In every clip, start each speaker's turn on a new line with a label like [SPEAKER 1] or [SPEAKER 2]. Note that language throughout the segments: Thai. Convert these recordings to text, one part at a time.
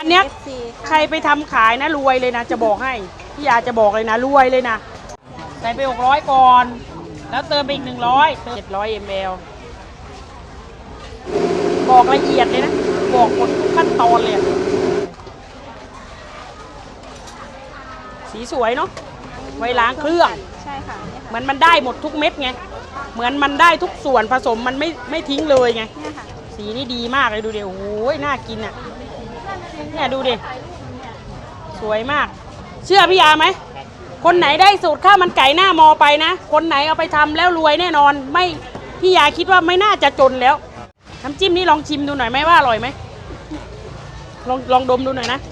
[SPEAKER 1] เนี้ยใครไปทำขายนะรวยเลยนะจะบอกให้พี่ยาจะบอกเลยนะรวยเลยนะใส่ไป600ก่อนแล้วเติมไปอีก100เติม700 ml บอกละเอียดเลยนะบอกหมดทุกขั้นตอนเลยสีสวยเนาะไว้ล้างเครื่อง
[SPEAKER 2] ใช่ค่ะ
[SPEAKER 1] เหมือนมันได้หมดทุกเม็ดไงเหมือนมันได้ทุกส่วนผสมมันไม่ทิ้งเลยไงสีนี่ดีมากเลยดูดิโอ้ยน่ากินอ่ะเนี่ยดูดิสวยมากเชื่อพี่ยาไหมคนไหนได้สูตรข้าวมันไก่หน้ามอไปนะคนไหนเอาไปทำแล้วรวยแน่นอนไม่พี่ยาคิดว่าไม่น่าจะจนแล้วน้ำจิ้มนี่ลองชิมดูหน่อยไหมว่าอร่อยไหมลองดมดูหน่อยนะ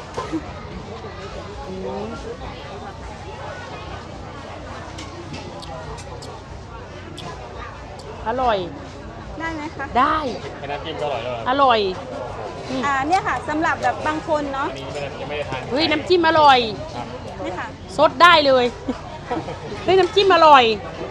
[SPEAKER 1] อร่อย
[SPEAKER 2] ได้ไหมคะ
[SPEAKER 1] ได้
[SPEAKER 3] น้ำจิ้มก็อร่อยแล้ว
[SPEAKER 1] อร่อย
[SPEAKER 2] เนี่ยค่ะสำหรับแบบบางคนเนาะ
[SPEAKER 3] ไม่ได้ทาน
[SPEAKER 1] เฮ้ยน้ำจิ้มอร่อย
[SPEAKER 2] นี่ค่ะ
[SPEAKER 1] ซดได้เลยเฮ้ยน้ำจิ้มอร่อย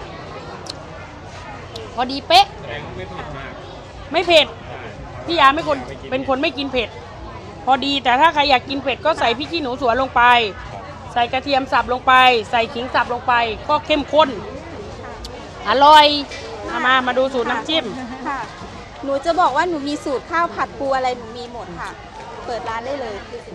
[SPEAKER 1] พอดีเป๊ะ
[SPEAKER 3] ไม่เผ็ดมาก
[SPEAKER 1] ไม่เผ็ดพี่ยาเป็นคนไม่กินเผ็ดพอดีแต่ถ้าใครอยากกินเผ็ดก็ใส่พริกขี้หนูสวนลงไปใส่กระเทียมสับลงไปใส่ขิงสับลงไปก็เข้มข้นอร่อยมาดูสูตรน้ำจิ้ม
[SPEAKER 2] ค่ะหนูจะบอกว่าหนูมีสูตรข้าวผัดปูอะไรหนูมีหมดค่ะเปิดร้านได้เลย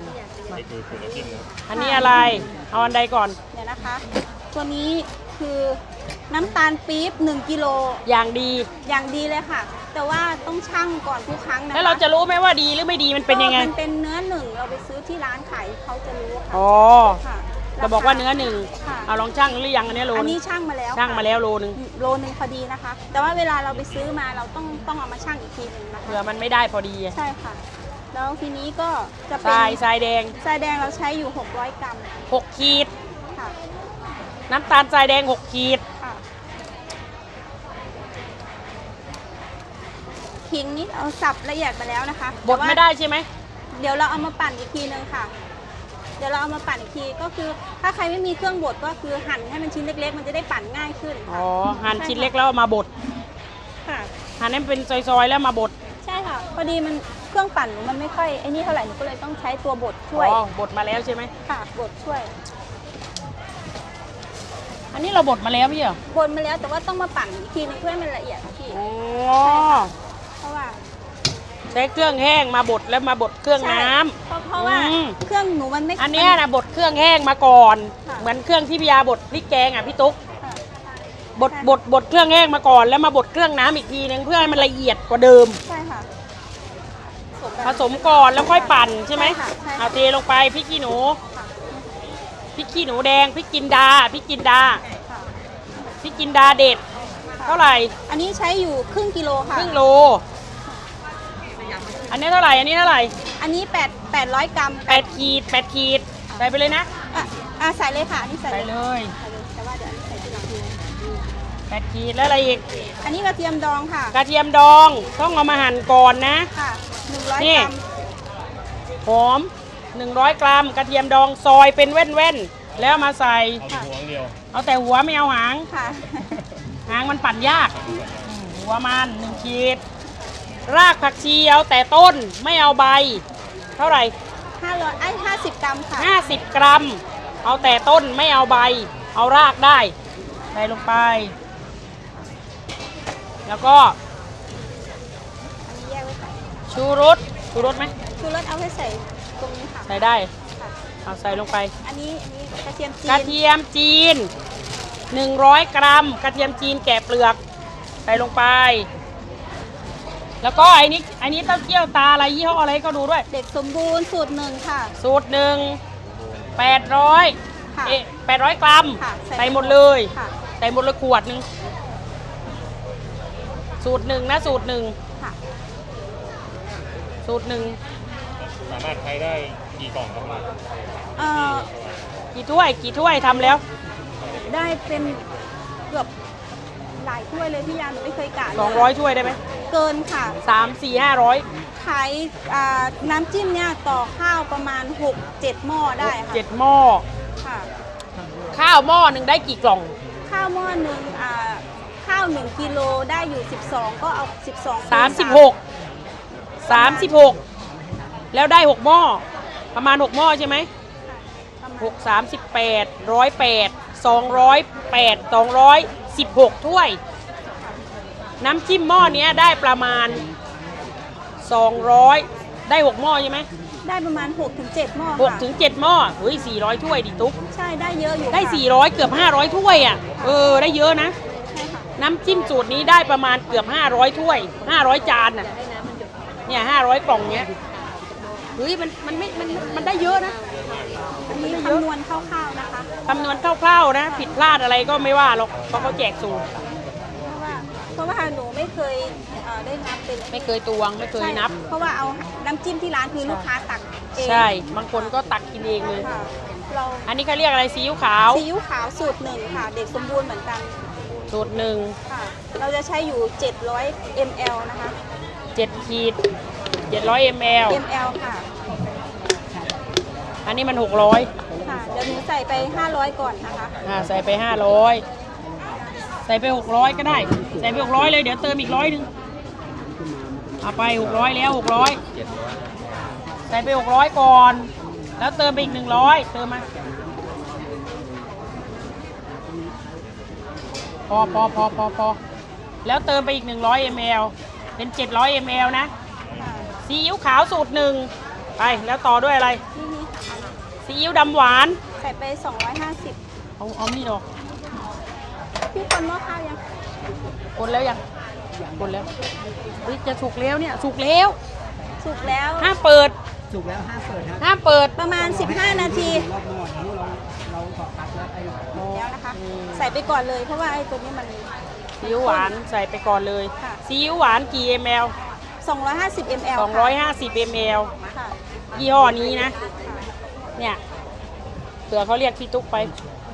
[SPEAKER 1] อันนี้อะไรเอาอันใดก่อน
[SPEAKER 2] เนี่ยนะคะตัวนี้คือน้ำตาลปี๊บ1 กิโล
[SPEAKER 1] อย่างดี
[SPEAKER 2] เลยค่ะแต่ว่าต้องชั่งก่อนทุกครั้งนะคะ
[SPEAKER 1] แล้วเราจะรู้ไหมว่าดีหรือไม่ดีมันเป็นยังไง
[SPEAKER 2] มันเป็นเนื้อหนึ่งเราไปซื้อที่ร้านขายเขาจะรู้ค่ะ
[SPEAKER 1] อ๋อจะบอกว่าเนื้อหนึ่งเอาลองชั่งหรือยังอันนี้โล
[SPEAKER 2] อันนี้ชั่งมาแล้ว
[SPEAKER 1] โลนึง
[SPEAKER 2] พอดีนะคะแต่ว่าเวลาเราไปซื้อมาเราต้องเอามาชั่งอีกทีนึงนะคะ
[SPEAKER 1] เผื่อมันไม่ได้พอดี
[SPEAKER 2] ใช่ค่ะแล้วทีนี้ก็จะเป็น
[SPEAKER 1] ทรายแดง
[SPEAKER 2] เราใช้อยู่600 กรัม
[SPEAKER 1] 6 ขีด
[SPEAKER 2] ค่ะ
[SPEAKER 1] น้ำตาลทรายแดง6 ขีด
[SPEAKER 2] ขิงนี่เอาสับละเอียดมาแล้วนะคะ
[SPEAKER 1] บดไม่ได้ใช่ไหม
[SPEAKER 2] เดี๋ยวเราเอามาปั่นอีกทีนึงค่ะเดี๋ยวเราเอามาปั่นอีกทีก็คือถ้าใครไม่มีเครื่องบดก็คือหั่นให้มันชิ้นเล็กๆมันจะได้ปั่นง่ายขึ้น
[SPEAKER 1] อ๋อหั่นชิ้นเล็กแล้วมาบด
[SPEAKER 2] ค่ะ
[SPEAKER 1] หั่นให้เป็นซอยๆแล้วมาบด
[SPEAKER 2] ใช่ค่ะพอดีมันเครื่องปั่นมันไม่ค่อยไอ้นี่เท่าไหร่หนูก็เลยต้องใช้ตัวบดช่วย
[SPEAKER 1] บดมาแล้วใช่ไหม
[SPEAKER 2] ค่ะบดช่วย
[SPEAKER 1] อันนี้เราบดมาแล้วพี่เหร
[SPEAKER 2] อบดมาแล้วแต่ว่าต้องมาปั่นอีกทีนึงเพื่อให้มันละเอียดพี่
[SPEAKER 1] อ๋อ
[SPEAKER 2] เพราะว่า
[SPEAKER 1] ใช้เครื่องแห้งมาบดแล้วมาบดเครื่องน้ำ
[SPEAKER 2] เพราะว่าเครื่องหนูมันไม่
[SPEAKER 1] อันนี้นะบดเครื่องแห้งมาก่อนเหมือนเครื่องที่พี่ยาบดพริกแกงอ่ะพี่ตุ๊กบดเครื่องแห้งมาก่อนแล้วมาบดเครื่องน้ำอีกทีนึงเพื่อให้มันละเอียดกว่าเดิม
[SPEAKER 2] ใช่ค่ะ
[SPEAKER 1] ผสมก่อนแล้วค่อยปั่นใช่ไหมเอาเทลงไปพริกขี้หนูแดงพริกจินดาเด็ดเท่าไหร่
[SPEAKER 2] อันนี้ใช้อยู่ครึ่งกิโลค่ะ
[SPEAKER 1] ครึ่งโลอันนี้เท่าไหร่อันนี้
[SPEAKER 2] 800 กรัม
[SPEAKER 1] 8 ขีดใส่ไปเลยนะ
[SPEAKER 2] ใส่เลยค่ะอันนี้ใส่
[SPEAKER 1] เลย
[SPEAKER 2] แต่ว่าเดี๋ยวใส่ทีหลัง
[SPEAKER 1] 8 ขีดแล้วอะไรอีก
[SPEAKER 2] อันนี้กระเทียมดองค่ะ
[SPEAKER 1] กระเทียมดองต้องเอามาหั่นก่อนนะ
[SPEAKER 2] ค่ะ100 กรัม
[SPEAKER 1] หอม100 กรัมกระเทียมดองซอยเป็นแว่นๆแล้วมาใส่เอาแต่หัวไม่เอาหาง
[SPEAKER 2] ค่ะ
[SPEAKER 1] หางมันปั่นยากหัวมัน1 ขีดรากผักชีเอาแต่ต้นไม่เอาใบเท่าไหร่
[SPEAKER 2] 50 กรัมค่ะ
[SPEAKER 1] 50 กรัมเอาแต่ต้นไม่เอาใบเอารากได้ใส่ลงไปแล้วก็
[SPEAKER 2] อันนี้แยกไว้ใส่
[SPEAKER 1] ชูรสไหม
[SPEAKER 2] ชูรสเอาไว้ใส่ตรงนี้ค่ะ
[SPEAKER 1] ใส่ได้เอาใส่ลงไป
[SPEAKER 2] อันนี้กระเทียม
[SPEAKER 1] จีน100 กรัมกระเทียมจีนแกะเปลือกใส่ลงไปแล้วก็ไอ้นี้เต้าเจี้ยวตาอะไรยี่ห้ออะไรก็ดูด้วย
[SPEAKER 2] เด็กสมบูรณ์สูตร1ค่ะ
[SPEAKER 1] สูตร1 800 กรัมใส่หมดเลยใส่หมดเลยขวดนึงสูตร1นะสูตร1
[SPEAKER 3] สามารถใช้ได้กี่กล่องประมาณ
[SPEAKER 1] กี่ถ้วยทำแล้ว
[SPEAKER 2] ได้เป็นเกือบหลายถ้วยเลยพี่ยาหนูไม่เคยกะ
[SPEAKER 1] 200 ถ้วยได้ไหม
[SPEAKER 2] เกินค่ะ
[SPEAKER 1] 3 4 500
[SPEAKER 2] ขายน้ำจิ้มเนี่ยต่อข้าวประมาณ6-7 หม้อได้ค่ะ
[SPEAKER 1] 7 หม้อ
[SPEAKER 2] ค่ะ
[SPEAKER 1] ข้าวหม้อหนึ่งได้กี่กล่อง
[SPEAKER 2] ข้าวหม้อหนึ่งข้าว1 กิโลได้อยู่12ก็เอา12
[SPEAKER 1] 36แล้วได้6 หม้อประมาณ6หม้อใช่ไหม
[SPEAKER 2] ประมาณ
[SPEAKER 1] 6 38 108 216ถ้วย น้ำจิ้มหม้อเนี้ยได้ประมาณ200ได้6หม้อใช่ไหม
[SPEAKER 2] ได้ประมาณ 6-7 หม้อ
[SPEAKER 1] 6
[SPEAKER 2] ค่ะ
[SPEAKER 1] ถึง 7หม้อเฮ้ย400ถ้วยดิตุ๊ก
[SPEAKER 2] ใช่ได้เยอะอยู่
[SPEAKER 1] ได้
[SPEAKER 2] ค่ะ
[SPEAKER 1] 400เกือบ500ถ้วยอ่ะได้เยอะนะ
[SPEAKER 2] ใช่ค่ะ
[SPEAKER 1] น้ำจิ้มสูตรนี้ได้ประมาณเกือบ500ถ้วย500จานน่ะเนี่ย500กล่องเนี้ยเฮ้ยมันได้เยอะนะ
[SPEAKER 2] อันนี้คำนวณคร่าวๆนะคะ
[SPEAKER 1] คำนวณคร่าวๆนะผิดพลาดอะไรก็ไม่ว่าหรอกเพราะเขาแจกสูตร
[SPEAKER 2] เพราะว่าหนูไม่เคยได้นับเป็น
[SPEAKER 1] ไม่เคยตวงไม่เคยนับ
[SPEAKER 2] ใช่เพราะว่าเอาน้ำจิ้มที่ร้านคือลูกค้าตักเอง
[SPEAKER 1] ใช่บางคนก็ตักกินเองเลย
[SPEAKER 2] ค่ะเรา
[SPEAKER 1] อันนี้เขาเรียกอะไรซีอิ๊วขาว
[SPEAKER 2] ซีอิ๊วขาวสูตรหนึ่งค่ะ เด็กสมบูรณ์เหมือนกัน
[SPEAKER 1] สูตรหนึ่ง
[SPEAKER 2] ค่ะ เราจะใช้อยู่ 700 ml นะคะ
[SPEAKER 1] 7 ขีด700 ml
[SPEAKER 2] ml ค่ะ
[SPEAKER 1] อันนี้มัน600
[SPEAKER 2] ค่ะ เดี๋ยวหนูใส่ไป 500 ก่อนนะคะ
[SPEAKER 1] ใส่ไป500ใส่ไป600ก็ได้ใส่ไป600เลยเดี๋ยวเติมอีก100นึงเอาไป600แล้ว600ใส่ไป600ก่อนแล้วเติมไปอีก100เติมมาพอแล้วเติมไปอีก100 ml เป็น700 ml นะ
[SPEAKER 2] ค่ะ
[SPEAKER 1] ซีอิ๊วขาวสูตรหนึ่งไปแล้วต่อด้วยอะไร
[SPEAKER 2] นี่ค่ะ
[SPEAKER 1] ซีอิ๊วดำหวาน
[SPEAKER 2] ใส่ไป 250
[SPEAKER 1] เอามีดออก
[SPEAKER 2] พี่คนหม้อข้าวยัง
[SPEAKER 1] คนแล้วยังคนแล้วเฮ้ยจะสุกแล้วเนี่ยสุกแล้ว
[SPEAKER 2] สุกแล้ว
[SPEAKER 1] ห้ามเปิด
[SPEAKER 4] สุกแล้วห้ามเปิดครับ
[SPEAKER 1] ห้ามเปิด
[SPEAKER 2] ประมาณ 15 นาที
[SPEAKER 4] รอบนอกนี้เราขอตัดแล้วไอ้
[SPEAKER 2] แล้วนะคะ ใส่ไปก่อนเลยเพราะว่าไอ้ตัวนี้มัน
[SPEAKER 1] ซีอิ๊วหวานใส่ไปก่อนเลย
[SPEAKER 2] ค่ะ
[SPEAKER 1] ซีอิ๊วหวานกี่ ml
[SPEAKER 2] 250 ml
[SPEAKER 1] 250 ml
[SPEAKER 2] ค่ะ
[SPEAKER 1] ยี่ห้อนี้นะ เนี่ยเผื่อเขาเรียกพี่ตุ๊กไป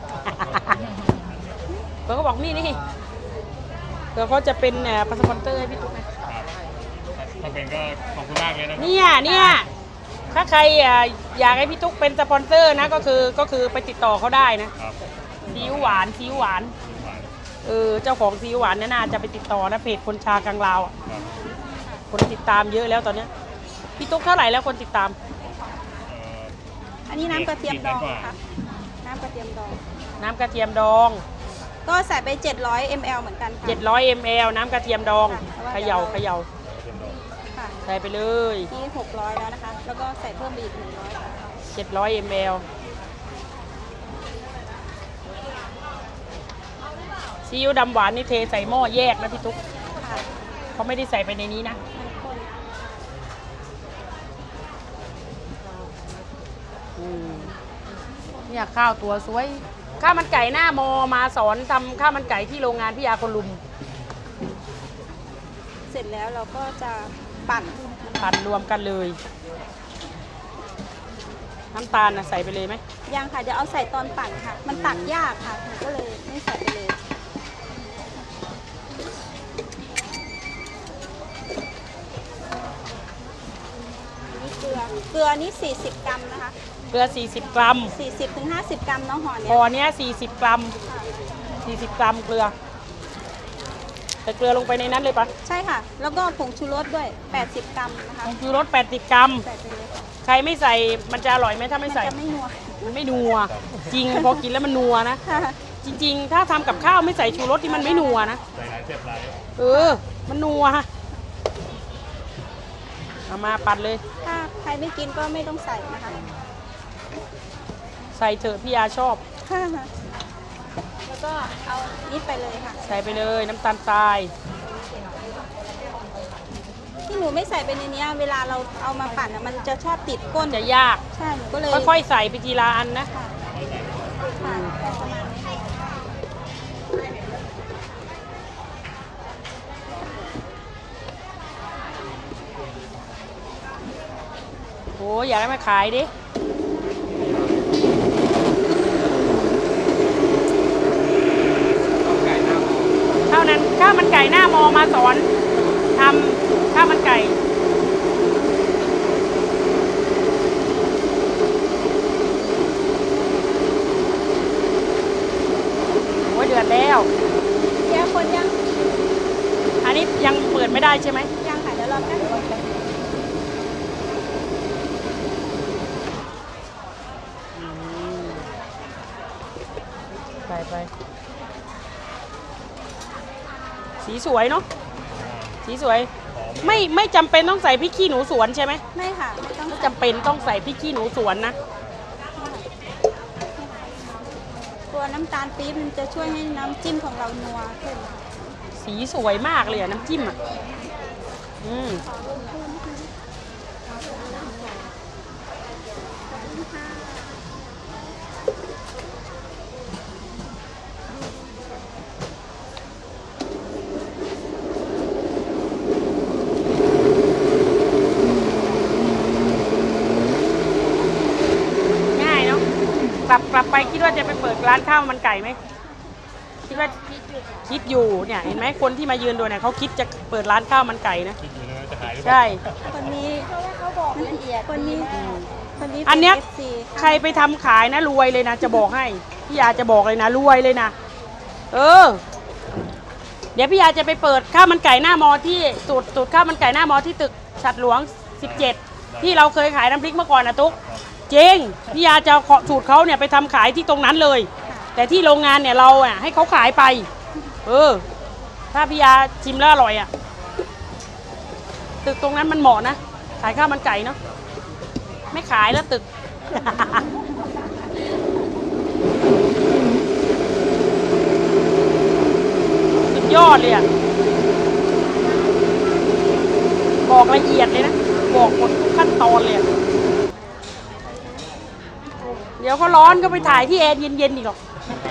[SPEAKER 1] เผื่อเขาบอกนี่เผื่อเขาจะเป็นพาสปอนเตอร์ให้พี่ตุ๊กนะ
[SPEAKER 3] ถ้าเป็นก็ขอบคุณมากเลยนะ
[SPEAKER 1] เนี่ยถ้าใครอยากให้พี่ตุ๊กเป็นสปอนเซอร์นะก็คือไปติดต่อเขาได้นะครับ ซีอิ๊วหวานเจ้าของซีอิ๊วหวานเนี่ยน่าจะไปติดต่อนะเพจคนชากลางลาวอะ
[SPEAKER 3] ครับ
[SPEAKER 1] คนติดตามเยอะแล้วตอนเนี้ยพี่ตุ๊กเท่าไหร่แล้วคนติดตาม
[SPEAKER 2] อันนี้น้ำกระเทียมดองค่ะ น้ำกระเทียมดอง
[SPEAKER 1] น้ำกระเทียมดอง
[SPEAKER 2] ก็ใส่ไป 700 ml เหมือนกันค่ะ
[SPEAKER 1] 700 ml น้ำกระเทียมดอง
[SPEAKER 2] ค่ะ
[SPEAKER 1] เขย่า
[SPEAKER 2] ค่ะ
[SPEAKER 1] ใส่ไปเลย
[SPEAKER 2] นี่600 แล้วนะคะ แล้วก็ใส่เพิ่มไปอีก100
[SPEAKER 1] 700 ml ซีอิ๊วดำหวานนี่เทใส่หม้อแยกนะพี่ตุ๊ก
[SPEAKER 2] ค่ะ
[SPEAKER 1] เขาไม่ได้ใส่ไปในนี้นะ
[SPEAKER 2] มันข้น
[SPEAKER 1] เนี่ยข้าวตัวสวย ข้าวมันไก่หน้ามอมาสอนทำข้าวมันไก่ที่โรงงานพี่ยาคนลุม
[SPEAKER 2] เสร็จแล้วเราก็จะปั่น
[SPEAKER 1] ปั่นรวมกันเลย น้ำตาลนะใส่ไปเลยไหม
[SPEAKER 2] ยังค่ะ เดี๋ยวเอาใส่ตอนปั่นค่ะ มันตักยากค่ะหนูก็เลยไม่ใส่ไปเลย นี่เกลือนี่40 กรัมนะคะ
[SPEAKER 1] เกลือ40 กรัม
[SPEAKER 2] 40-50 กรัมเนาะห่อเนี้
[SPEAKER 1] พ
[SPEAKER 2] ย
[SPEAKER 1] อเนี้ย40 กรัม 40 กรัมเกลือใส่เกลือลงไปในนั้นเลยปะ
[SPEAKER 2] ใช่ค่ะ แล้วก็ผงชูรสด้วย 80 กรัมนะคะ
[SPEAKER 1] ผงชูรส80 กรัม
[SPEAKER 2] ใส่ไปเลยค่ะ
[SPEAKER 1] ใครไม่ใส่มันจะอร่อยไหมถ้า
[SPEAKER 2] มั
[SPEAKER 1] ไม่
[SPEAKER 2] น
[SPEAKER 1] ใส่
[SPEAKER 2] จะไม่นัว
[SPEAKER 1] มันไม่นัว จริงพอกินแล้วมันนัวนะ
[SPEAKER 2] ค่ะ
[SPEAKER 1] จริง ๆ ถ้าทำกับข้าวไม่ใส่ชูรสที่มันไม่นัวนะ
[SPEAKER 3] ใส่หลายเสียบหลาย
[SPEAKER 1] มันนัวเอามาปั่นเลย
[SPEAKER 2] ถ้าใครไม่กินก็ไม่ต้องใส่นะคะ
[SPEAKER 1] ใส่เถอะพี่ยาชอบ
[SPEAKER 2] ค่ะแล้วก็เอานิดไปเลยค่ะ
[SPEAKER 1] ใส่ไปเลยน้ำตาลทราย
[SPEAKER 2] ที่หนูไม่ใส่ไปในเนี้ยเวลาเราเอามาปั่นอะมันจะชอบติดก้น
[SPEAKER 1] จะยาก
[SPEAKER 2] ใช่ หนูก็เลย
[SPEAKER 1] ค่อยๆใส่ไปทีละอันนะ
[SPEAKER 2] ค่ะค่ะแค่ประมาณนี้ค่ะ
[SPEAKER 1] โอ้อยากให้มาขายดิ เท่านั้นข้าวมันไก่หน้ามอมาสอนทำข้าวมันไก่ โอ้ยเดือดแล้ว
[SPEAKER 2] เดี๋ยวคนยัง
[SPEAKER 1] อันนี้ยังเปิดไม่ได้ใช่ไหม
[SPEAKER 2] ยังค่ะเดี๋ยวรอแป๊บนึง
[SPEAKER 1] ใส่ไปสีสวยเนาะสีสวยไม่จำเป็นต้องใส่พริกขี้หนูสวนใช่ไหม
[SPEAKER 2] ไม่ค่ะไม่ต้อง
[SPEAKER 1] ไม่จำเป็นต้องใส่พริกขี้หนูสวนนะ
[SPEAKER 2] ตัวน้ำตาลปี๊บมันจะช่วยให้น้ำจิ้มของเรานัวขึ้น
[SPEAKER 1] สีสวยมากเลยอะน้ำจิ้มอะง่ายเนาะกลับไปคิดว่าจะไปเปิดร้านข้าวมันไก่ไหมคิดว่าคิดอยู่เนี่ยเห็นไหมคนที่มายืนดูเนี่ยเขาคิดจะเปิดร้านข้าวมันไก่นะ
[SPEAKER 3] คิดอยู่นะจะหายหรือเปล่า
[SPEAKER 1] ใช่
[SPEAKER 2] คนนี้เขาบอกละเอียดคนนี้คนนี้
[SPEAKER 1] อันเนี้ย
[SPEAKER 2] ป็ FC
[SPEAKER 1] ใครไปทำขายนะรวยเลยนะจะบอกให้พี่ยาจะบอกเลยนะรวยเลยนะเดี๋ยวพี่ยาจะไปเปิดข้าวมันไก่หน้ามอที่สูตรข้าวมันไก่หน้ามอที่ตึกฉัตรหลวง 17ที่เราเคยขายน้ำพริกเมื่อก่อนนะตุ๊กจริงพี่ยาจะขอสูตรเขาเนี่ยไปทำขายที่ตรงนั้นเลย แต่ที่โรงงานเนี่ยเราอ่ะให้เขาขายไปถ้าพี่ยาชิมแล้วอร่อยอ่ะตึกตรงนั้นมันเหมาะนะขายข้าวมันไก่เนาะไม่ขายแล้วตึก สุดยอดเลยอ่ะบอกละเอียดเลยนะบอกหมดทุกขั้นตอนเลยอะเดี๋ยวเขาร้อนก็ไปถ่ายที่แอร์เย็นๆอีกหรอก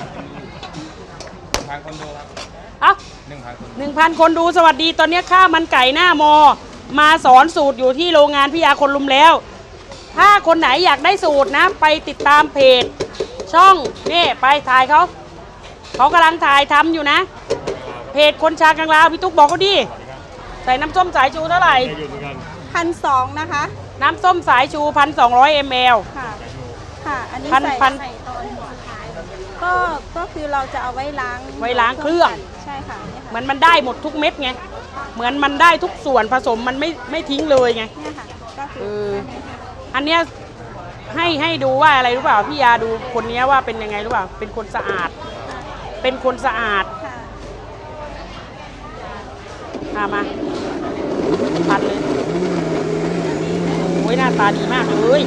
[SPEAKER 3] 1,000 คนดูครับ
[SPEAKER 1] เอ้า
[SPEAKER 3] 1,000 คน
[SPEAKER 1] 1,000 คนดูสวัสดีตอนนี้ข้าวมันไก่หน้ามอ มาสอนสูตรอยู่ที่โรงงานพิยาคนลุมแล้ว ถ้าคนไหนอยากได้สูตรนะไปติดตามเพจช่องนี่ไปถ่ายเขากำลังถ่ายทำอยู่นะ เพจคนชากลางลาวพี่ตุ๊กบอกเขาดิใส่น้ำส้มสายชูเท่าไหร่
[SPEAKER 3] ได้อยู่เหมือนกัน
[SPEAKER 2] 1,200นะคะ
[SPEAKER 1] น้ำส้มสายชู 1,200 ml
[SPEAKER 2] ค่ะค่ะอันนี้
[SPEAKER 1] พัน
[SPEAKER 2] ใส่
[SPEAKER 1] พัน
[SPEAKER 2] ใส่ตอนหัวท้ายก็คือเราจะเอาไว้ล้าง
[SPEAKER 1] ไว้ล้างเครื่อง
[SPEAKER 2] ใช่ค่ะเนี่ย
[SPEAKER 1] เห
[SPEAKER 2] ค่ะ
[SPEAKER 1] มือนมันได้หมดทุกเม็ดไงเหมือนมันได้ทุกส่วนผสมมันไม่ทิ้งเลยไง
[SPEAKER 2] เนี่ยค่ะก็คื
[SPEAKER 1] เอ
[SPEAKER 2] อ
[SPEAKER 1] อันเนี้ยให้ดูว่าอะไรรู้เปล่าพี่ยาดูคนนี้ว่าเป็นยังไงรู้เปล่าเป็นคนสะอาด เป็นคนสะอาด
[SPEAKER 2] ค่ะ
[SPEAKER 1] มาปัดเลยโอ้ยหน้าตาดีมากเลย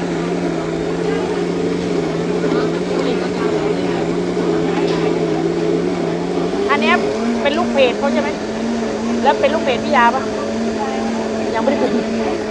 [SPEAKER 1] อันเนี้ยเป็นลูกเพจเขาใช่ไหมแล้วเป็นลูกเพจพี่ยาปะยังไม่ได้เป็น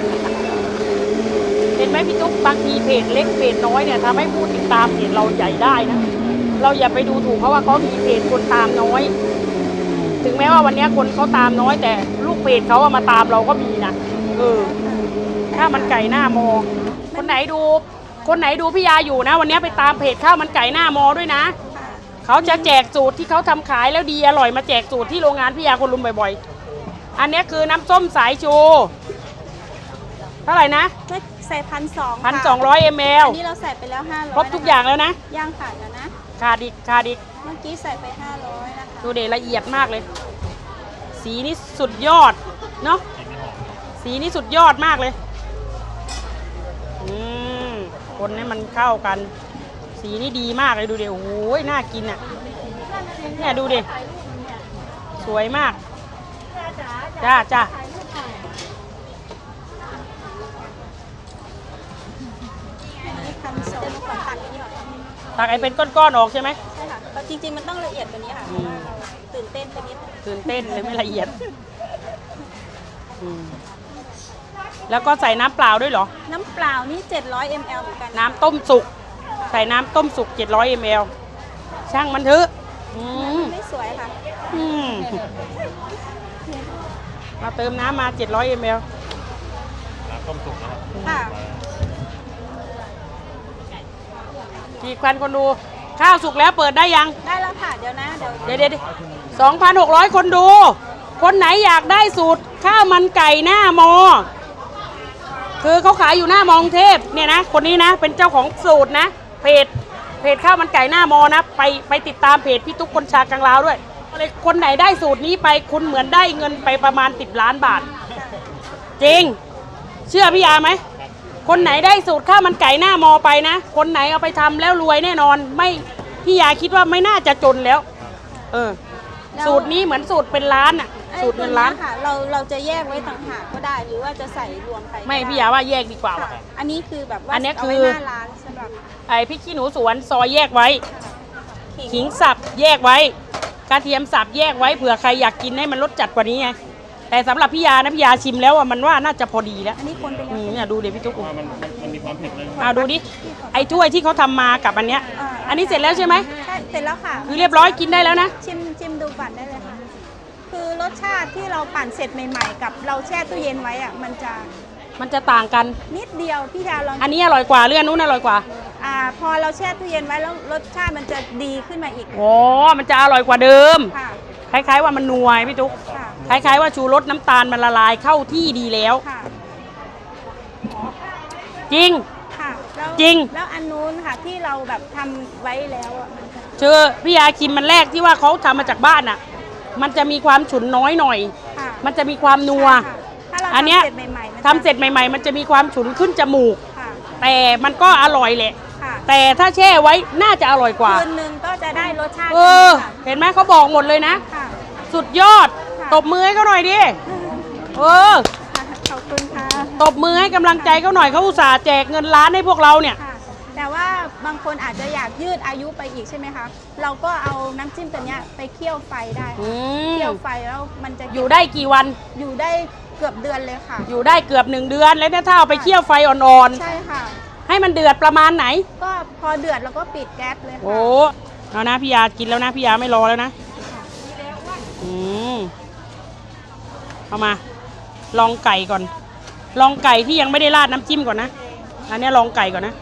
[SPEAKER 1] เห็นไหมพี่ตุ๊กบางทีเพจเล็กเพจน้อยเนี่ยทำให้ผู้ติดตามเพจเราใหญ่ได้นะเราอย่าไปดูถูกเพราะว่าเขามีเพจคนตามน้อย ถึงแม้ว่าวันนี้คนเขาตามน้อยแต่ลูกเพจเขาเอามาตามเราก็มีนะข้าวมันไก่หน้ามอ คนไหนดูพี่ยาอยู่นะวันนี้ไปตามเพจข้าวมันไก่หน้ามอด้วยนะ
[SPEAKER 2] ค่ะ
[SPEAKER 1] เขาจะแจกสูตรที่เขาทำขายแล้วดีอร่อยมาแจกสูตรที่โรงงานพี่ยาคนลุมบ่อยๆอันนี้คือน้ำส้มสายชูเท่าไหร่นะ
[SPEAKER 2] ก็ใส่1,200
[SPEAKER 1] 1,200 ml
[SPEAKER 2] อันนี้เราใส่ไปแล้ว500
[SPEAKER 1] ครบทุกอย่างแล้วนะ
[SPEAKER 2] ย่างค่ะเดี๋ยวนะ
[SPEAKER 1] ขาดอีก
[SPEAKER 2] เมื่อกี้ใส่ไป500นะคะ
[SPEAKER 1] ดูเดละเอียดมากเลย สีนี่สุดยอดเนาะสีนี่สุดยอดมากเลยคนให้มันเข้ากัน สีนี่ดีมากเลยดูเดี๋ยวโอ้โหน่ากินอ่ะเนี่ยดูดิสวยมากจ้า
[SPEAKER 2] 1,200ขอตัดนี่ก่อน
[SPEAKER 1] ตักไอ้เป็นก้อนๆออกใช่ไหม
[SPEAKER 2] ใช่ค่ะแต่จริงๆมันต้องละเอียดกว่านี้ค่ะเพราะว่าเราตื่นเต้นไปนิดนึง
[SPEAKER 1] ตื่นเต้นเลยไม่ละเอียดแล้วก็ใส่น้ำเปล่าด้วยเหรอ
[SPEAKER 2] น้ำเปล่านี่700 ml เหมือนกัน
[SPEAKER 1] น้ำต้มสุกใส่น้ำต้มสุก700 ml ช่างมันเถอะ
[SPEAKER 2] ไม่สวยค่ะ
[SPEAKER 1] มาเติมน้ำมา700 ml
[SPEAKER 3] น้ำต้มสุกนะครับ
[SPEAKER 2] ค่ะ
[SPEAKER 1] กี่ควันคนดูข้าวสุกแล้วเปิดได้ยัง
[SPEAKER 2] ได้แล้วค่ะเดี๋ยวนะเดี๋ยว
[SPEAKER 1] เดี๋ยว2,600 คนดู คนไหนอยากได้สูตรข้าวมันไก่หน้ามอ คือเขาขายอยู่หน้ามอกรุงเทพเนี่ยนะคนนี้นะเป็นเจ้าของสูตรนะเพจข้าวมันไก่หน้ามอนะไปติดตามเพจพี่ตุ๊กคนชากลางลาวด้วยเลยคนไหนได้สูตรนี้ไปคุณเหมือนได้เงินไปประมาณ10 ล้านบาท จริง เชื่อพี่ยาไหมคนไหนได้สูตรข้าวมันไก่หน้ามอไปนะคนไหนเอาไปทำแล้วรวยแน่นอนพี่ยาคิดว่าไม่น่าจะจนแล้ว เออ
[SPEAKER 2] แล้ว
[SPEAKER 1] สูตรนี้เหมือนสูตรเป็นร้านอ่ะ
[SPEAKER 2] ไอ้
[SPEAKER 1] สูตรเงินล้าน
[SPEAKER 2] ตัวค่ะเราจะแยกไว้ต่างหากก็ได้ หรือว่าจะใส่รวมไปก็
[SPEAKER 1] ไม่
[SPEAKER 2] ด้
[SPEAKER 1] พี่ยาว่าแยกดีกว่า
[SPEAKER 2] ค่ะ
[SPEAKER 1] ว่ะ
[SPEAKER 2] อันนี้คือแบบว่า
[SPEAKER 1] อันเนี้ย
[SPEAKER 2] เอาไว้
[SPEAKER 1] คือ
[SPEAKER 2] หน้าร้านสำหรับ
[SPEAKER 1] ไอพริกขี้หนูสวนซอยแยกไว้
[SPEAKER 2] ขิ
[SPEAKER 1] ขิงสับแยกไว้กระเทียมสับแยกไว้เผื่อใครอยากกินให้มันรสจัดกว่านี้ไงแต่สำหรับพี่ยานะพี่ยาชิมแล้วอ่ะมันว่าน่าจะพอดีแล้ว
[SPEAKER 2] อันนี้คนไปแล้ว
[SPEAKER 1] เนี่ยดูเดี๋ยวพี่ตุ๊ก
[SPEAKER 3] เพราะว่ามันมีความเผ็ดเลย
[SPEAKER 1] ดูดิไอ้ถ้วยที่เขาทำมากับอันเนี้ย อันนี้เสร็จแล้วใช่ไหม
[SPEAKER 2] ใช่เสร็จแล้วค่ะ
[SPEAKER 1] คือเรียบร้อยกินได้แล้วนะ
[SPEAKER 2] ชิมดูก่อนได้เลยค่ะ คือรสชาติที่เราปั่นเสร็จใหม่ๆ กับเราแช่ตู้เย็นไว้อะมันจะ ต่างกัน
[SPEAKER 1] นิดเดียวพี่ยาลอง
[SPEAKER 2] อันนี้อร่อยกว่าเรื่องนู้นอร่อยกว่า
[SPEAKER 1] พอเราแช่ตู้เย็นไว้แล้วรสชาติมันจะดีขึ้นมาอีก
[SPEAKER 2] โอ้มันจะอร่อยกว่าเดิม
[SPEAKER 1] ค่ะ
[SPEAKER 2] คล้ายๆว่ามันนัวพี่ตุ๊ก
[SPEAKER 1] ค่ะ
[SPEAKER 2] คล้ายๆว่าชูรสน้ำตาลมันละลายเข้าที่ดีแล้ว
[SPEAKER 1] ค่ะ
[SPEAKER 2] จริง
[SPEAKER 1] ค่ะแล้ว
[SPEAKER 2] จริง
[SPEAKER 1] แล้วอันนู้นค่ะที่เราแบบทำไว้แล้วอ่ะมันจะ
[SPEAKER 2] เจอพี่ยาชิมมันแรกที่ว่าเขาทำมาจากบ้านอ่ะ มันจะมีความฉุนน้อยหน่อย
[SPEAKER 1] ค่ะ
[SPEAKER 2] มันจะมีความนัว
[SPEAKER 1] ใช่ค่ะถ้าเรา
[SPEAKER 2] อันเนี้ย
[SPEAKER 1] ทำเสร็จใหม่ๆมันจะ
[SPEAKER 2] ทำเสร็จใหม่ๆ มันจะมีความฉุนขึ้นจมูก
[SPEAKER 1] ค่ะ
[SPEAKER 2] แต่มันก็อร่อยแหละ
[SPEAKER 1] ค่ะ
[SPEAKER 2] แต่ถ้าแช่ไว้น่าจะอร่อยกว่า
[SPEAKER 1] คืนนึงก็จะได้รสชาติ
[SPEAKER 2] เออ เห็นไหมเขาบอกหมดเลยนะ
[SPEAKER 1] ค่ะ
[SPEAKER 2] สุดยอด
[SPEAKER 1] ค่ะ
[SPEAKER 2] ตบมือให้เขาหน่อยดิ เออ
[SPEAKER 1] ค่ะขอบคุณค่ะ
[SPEAKER 2] ตบมือให้กำลังใจเขาหน่อยเขาอุตส่าห์แจกเงินล้านให้พวกเราเนี่ย
[SPEAKER 1] ค่ะ แต่ว่าบางคนอาจจะอยากยืดอายุไปอีกใช่ไหมคะ เราก็เอาน้ำจิ้มตัวเนี้ยไปเคี่ยวไฟได้
[SPEAKER 2] อืม
[SPEAKER 1] เคี่ยวไฟแล้วมันจะ
[SPEAKER 2] อยู่ได้กี่วัน
[SPEAKER 1] อยู่ได้เกือบเดือนเลยค่ะ
[SPEAKER 2] อยู่ได้เกือบ1 เดือน แล้วเนี่ยถ้าเอาไปเคี่ยวไฟอ่อน
[SPEAKER 1] ใช่ค่ะ
[SPEAKER 2] ๆ ให้มันเดือดประมาณไหน
[SPEAKER 1] ก็พอเดือดแล้วก็ปิดแก๊สเลยค่ะ
[SPEAKER 2] โอ้เอานะพี่ยากินแล้วนะพี่ยาไม่รอแล้วนะ อืมเอามา ลองไก่ก่อน ลองไก่ที่ยังไม่ได้ราดน้ำจิ้มก่อนนะ อันเนี้ยลองไก่ก่อนนะ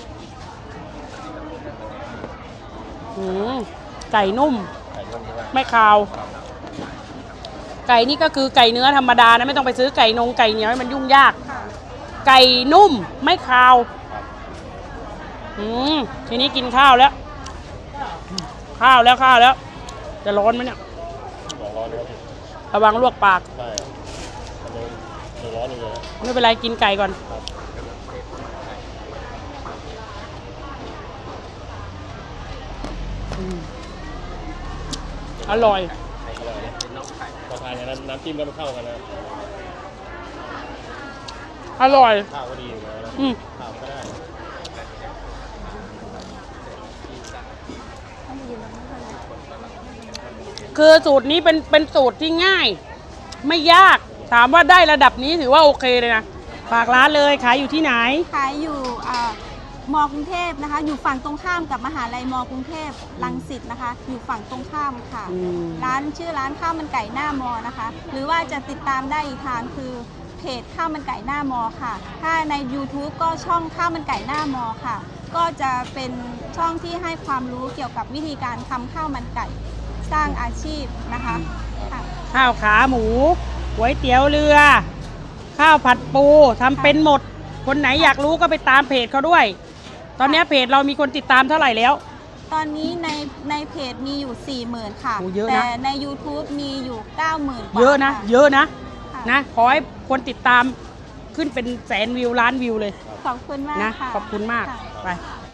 [SPEAKER 2] อืมไก่นุ่ม ไม่คาว ไก่นี่ก็คือไก่เนื้อธรรมดานะไม่ต้องไปซื้อไก่นงไก่เหนียวให้มันยุ่งยาก
[SPEAKER 1] ค่ะ
[SPEAKER 2] ไก่นุ่มไม่คาว ทีนี้กินข้าวแล้ว ข้าวแล้ว จะร้อนไหมเนี่ย
[SPEAKER 3] ร้อนเลยครับ
[SPEAKER 2] ระวังลวกปาก
[SPEAKER 3] ใช่มันยังร้อนอยู่เลย
[SPEAKER 2] ไม่เป็นไรกินไก่ก่อน อร่อย
[SPEAKER 3] อร่อยนะพอทานอย่างนั้นน้ำจิ้มก็ไม่เข้ากันนะ
[SPEAKER 2] อร่อย
[SPEAKER 3] ข้าวก็ดีอยู่แล้วนะ
[SPEAKER 2] อืม
[SPEAKER 3] ข้าวก็ได้
[SPEAKER 2] คือสูตรนี้เป็นสูตรที่ง่าย ไม่ยาก ถามว่าได้ระดับนี้ถือว่าโอเคเลยนะ ฝากร้านเลยขายอยู่ที่ไหน
[SPEAKER 1] ขายอยู่มกรุงเทพนะคะ อยู่ฝั่งตรงข้ามกับมหาลัยมกรุงเทพรังสิตนะคะ อยู่ฝั่งตรงข้ามค่ะ
[SPEAKER 2] อืม
[SPEAKER 1] ร้านชื่อร้านข้าวมันไก่หน้ามอนะคะ หรือว่าจะติดตามได้อีกทางคือเพจข้าวมันไก่หน้ามอค่ะ ถ้าใน YouTube ก็ช่องข้าวมันไก่หน้ามอค่ะ ก็จะเป็นช่องที่ให้ความรู้เกี่ยวกับวิธีการทำข้าวมันไก่สร้างอาชีพนะคะค่ะ
[SPEAKER 2] ข้าวขาหมูก๋วยเตี๋ยวเรือ ข้าวผัดปูทำเป็นหมด คนไหนอยากรู้ก็ไปตามเพจเขาด้วย ตอนนี้เพจเรามีคนติดตามเท่าไหร่แล้ว
[SPEAKER 1] ตอนนี้ในเพจมีอยู่ 40,000 ค่ะ
[SPEAKER 2] โอ้เยอะนะ
[SPEAKER 1] แต่ใน YouTube มีอยู่ 90,000
[SPEAKER 2] เยอะนะ
[SPEAKER 1] ค่
[SPEAKER 2] เยอะนะ
[SPEAKER 1] ค่ะ
[SPEAKER 2] นะ ขอให้คนติดตามขึ้นเป็นแสนวิวล้านวิวเลย
[SPEAKER 1] ขอบคุณมาก
[SPEAKER 2] นะ
[SPEAKER 1] ค่ะ
[SPEAKER 2] ขอบคุณมาก
[SPEAKER 1] ค่ะ
[SPEAKER 2] ไป